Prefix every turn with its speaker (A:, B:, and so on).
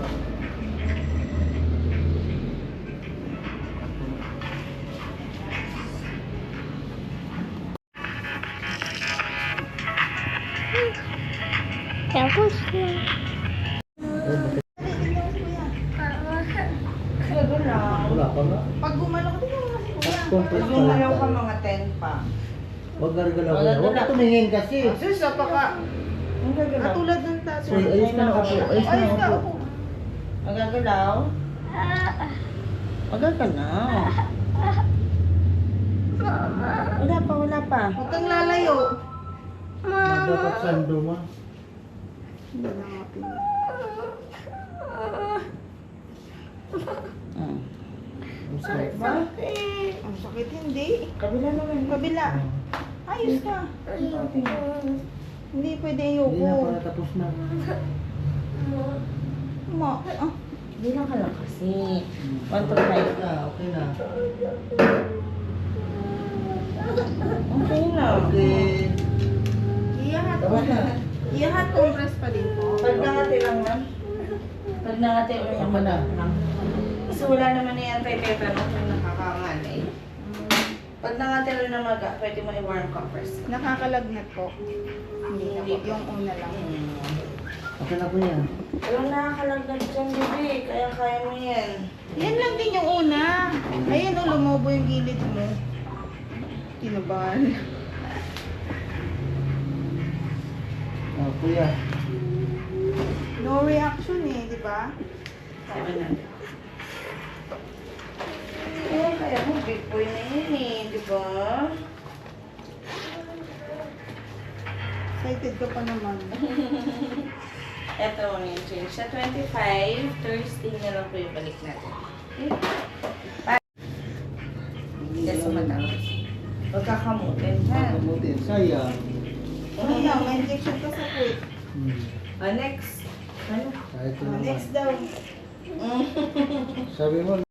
A: Tapos na.
B: Wala pa nga.
C: Pag gumalaw ka, tingnan mo kasi kuya.
B: Compress
C: Pag
B: pa
C: gumalaw
B: lang.
C: ka mga 10 pa.
B: Huwag gargalaw
C: Wala,
B: yan. Huwag
C: wala.
B: ka tumingin kasi.
C: Sus, napaka...
D: Ang gagalaw.
C: Katulad ng taso.
B: Uy, ayos ka na upo. Ayos ka na
C: Ayos ka,
B: upo.
C: upo.
D: Magagalaw? Magagalaw. Wala pa, wala pa.
C: Huwag kang lalayo.
B: Dapat sando mo.
C: Hindi na nga pinag-
D: Hmm.
B: Ang sakit.
C: Bakit? Ang sakit hindi.
D: Kabila naman.
C: Kabila. Ayos ka. Hindi pwede
B: Hindi
C: ayoko.
B: na para tapos na.
C: Ma, ah.
D: Bilang ka lang kasi. 1 to 5.
B: Okay na, okay na.
D: Okay na.
B: Okay.
C: Iyahat
B: Tapos na.
C: Iyahat compress pa din po.
D: Pag nangati lang man. Pag nangati o yung
B: Tama na.
D: Kasi wala naman na yan kay tetanus yung nakakanganay. Pag nangati lang na maga, pwede mo i-warm compress.
C: Nakakalagnat po. Hindi na po. Yung una lang.
B: Okay na po yan.
D: Walang nakakalagdag dyan, bebe. Kaya mo yan.
C: Yan lang din yung una. Ayan o, lumobo yung gilid mo. Kinabahan.
B: Oh, kuya.
C: No reaction eh, di ba?
D: Sabi na. Eh, kaya mo, big boy na yun eh, di ba?
C: Excited ka pa naman.
D: Ito ang yung change. Sa 25, Thursday na lang po yung balik natin. Okay? Hindi sa matapos. Huwag kakamutin, ha?
B: Pagkamutin. Sayang.
C: Ano na, may injection ka sa foot.
D: Next. Ano?
B: Kahit ito
C: Ah,
B: naman.
C: next daw.
B: Sabi mo,